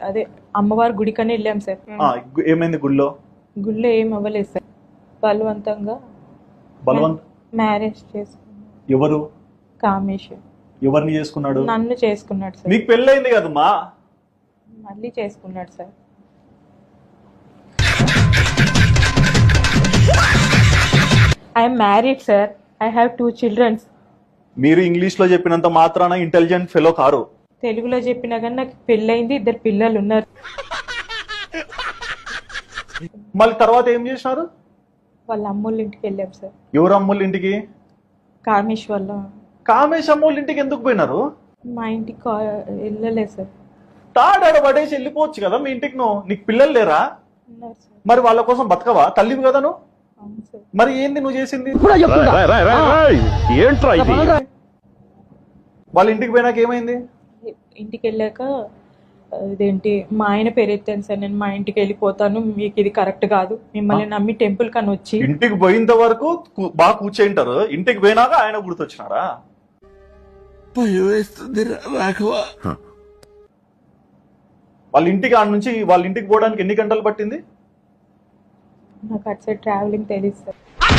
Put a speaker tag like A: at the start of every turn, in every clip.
A: అదే అమ్మవారి గుడికని వెళ్ళాం సార్.
B: ఏమైంది గుళ్ళో?
A: గుళ్ళో ఏం అవ్వలేదు సార్. బలవంతంగా మ్యారేజ్ చేసుకున్నాడు.
B: ఎవరు?
A: కామేష్.
B: ఎవరిని చేసుకున్నాడు?
A: నన్ను చేసుకున్నాడు సార్.
B: మీకు పెళ్ళైంది కదమ్మా?
A: మళ్ళీ చేసుకున్నాడు sir. I'm married sir. I have 2 children.
B: మీరు ఇంగ్లీష్ లో చెప్పినంత మాత్రాన ఇంటెలిజెంట్ ఫెలో కారు.
A: తెలుగులో చెప్పినా కానీ నాకు పెళ్ళైంది, 2 పిల్లలు ఉన్నారు.
B: మళ్ళీ తర్వాత ఏం చేసినారు?
A: వాళ్ళ అమ్మోళ్ళ ఇంటికి వెళ్ళాం సార్.
B: ఎవరు అమ్మోళ్ళ ఇంటికి?
A: కామేష్ వల్ల.
B: కామేష్ అమ్మోళ్ళ ఇంటికి ఎందుకు పోయినారు?
A: మా ఇంటికి వెళ్ళలేదు సార్.
B: తాడాడ పడేసి వెళ్ళిపోవచ్చు కదా మీ ఇంటికి. నీకు పిల్లలు లేరా?
A: ఉన్నారు సార్.
B: మరి వాళ్ళ కోసం బతకవా? తల్లివి కదా నువ్వు.
A: అవును సార్.
B: మరి ఏంది నువ్వు చేసింది? వాళ్ళ ఇంటికి పోయినాక ఏమైంది?
A: ఇంటికి వెళ్ళాక ఇదేంటి మా ఆయన పేరు ఎత్తాను సార్. నేను మా ఇంటికి వెళ్ళిపోతాను, మీకు ఇది కరెక్ట్ కాదు, మిమ్మల్ని నమ్మి టెంపుల్ కని వచ్చి.
B: ఇంటికి పోయినంత వరకు బాగా కూర్చేంటారు, ఇంటికి పోయినాక ఆయన గుర్తొచ్చినారా? వాళ్ళ ఇంటికి ఆడ నుంచి వాళ్ళ ఇంటికి పోవడానికి ఎన్ని గంటలు పట్టింది?
A: నాకు అటు సైడ్ ట్రావెలింగ్ తెలియదు సార్.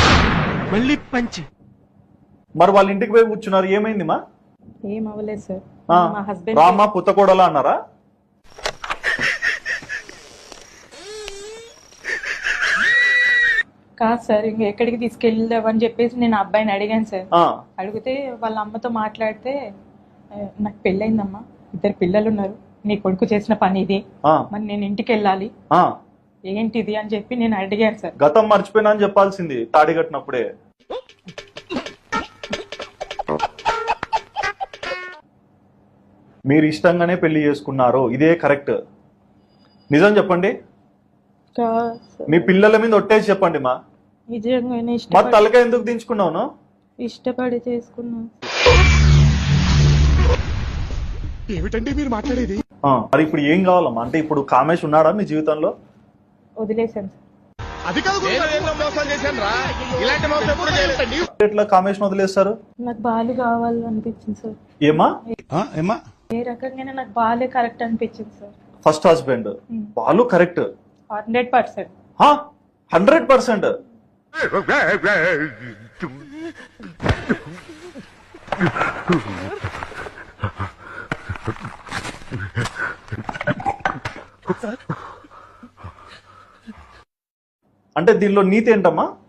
B: మరి వాళ్ళ ఇంటికి పోయి కూర్చున్నారు, ఏమైంది మా?
A: ఏం అవ్వలేదు సార్. మా హస్బెండ్
B: రామా పుత్తకోడలా అన్నారా?
A: కాదు సార్, ఇంక ఎక్కడికి తీసుకెళ్దామని చెప్పేసి నేను అబ్బాయిని అడిగాను సార్. అడిగితే వాళ్ళ అమ్మతో మాట్లాడితే, నాకు పెళ్ళయిందమ్మా, 2 పిల్లలు ఉన్నారు, నీ కొడుకు చేసిన పని ఇది, మరి నేను ఇంటికి వెళ్ళాలి, ఏంటిది అని చెప్పి నేను అడిగాను సార్.
B: గతం మర్చిపోయినా అని చెప్పాల్సింది తాడి కట్టినప్పుడే. మీరు ఇష్టంగానే పెళ్లి చేసుకున్నారు, ఇదే కరెక్ట్. నిజం చెప్పండి. మీ పిల్లల మీద ఒట్టేసి చెప్పండి మా.
A: నిజంగానే
B: మరి తలకాయ ఎందుకు దించుకున్నావు?
A: ఇష్టపడి చేసుకున్నాను.
C: ఏమిటండి మీరు మాట్లాడేది?
B: మరి ఇప్పుడు ఏం కావాలమ్మా? అంటే ఇప్పుడు కామేష్ ఉన్నాడా మీ జీవితంలో?
A: వదిలేశాను సార్.
C: అది కాదు,
B: ఎట్లా కామేష్ వదిలేస్తారు?
A: నాకు బాలు కావాలనిపించింది సార్.
B: ఏమా?
A: ఏ రకంగానే నాకు బాలే కరెక్ట్ అనిపించింది sir.
B: First husband Balu correct
A: 100%.
B: 100%. అంటే దీనిలో నీతి ఏంటమ్మా?